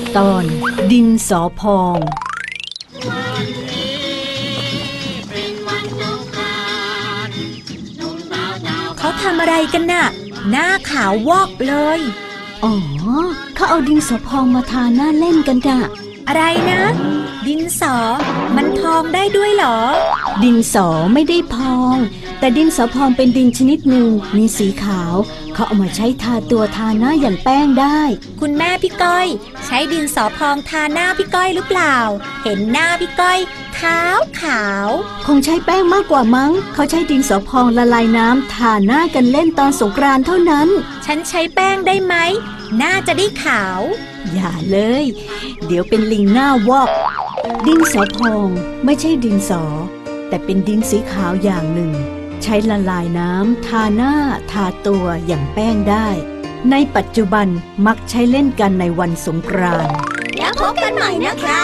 ตอนดินสอพองเขาทำอะไรกันน่ะหน้าขาววอกเลยอ๋อเขาเอาดินสอพองมาทาหน้าเล่นกันน่ะอะไรนะดินสอมันพองได้ด้วยเหรอดินสอไม่ได้พองแต่ดินสอพองเป็นดินชนิดหนึ่งมีสีขาวเขาเอามาใช้ทาตัวทาหน้าอย่างแป้งได้คุณแม่พี่ก้อยใช้ดินสอพองทาหน้าพี่ก้อยหรือเปล่าเห็นหน้าพี่ก้อยขาวคงใช้แป้งมากกว่ามั้งเขาใช้ดินสอพองละลายน้ำทาหน้ากันเล่นตอนสงกรานต์เท่านั้นฉันใช้แป้งได้ไหมหน้าจะได้ขาวอย่าเลยเดี๋ยวเป็นลิงหน้าวอกดินสอพองไม่ใช่ดินสอแต่เป็นดินสีขาวอย่างหนึ่งใช้ละลายน้ำทาหน้าทาตัวอย่างแป้งได้ในปัจจุบันมักใช้เล่นกันในวันสงกรานต์แล้วพบกันใหม่นะคะ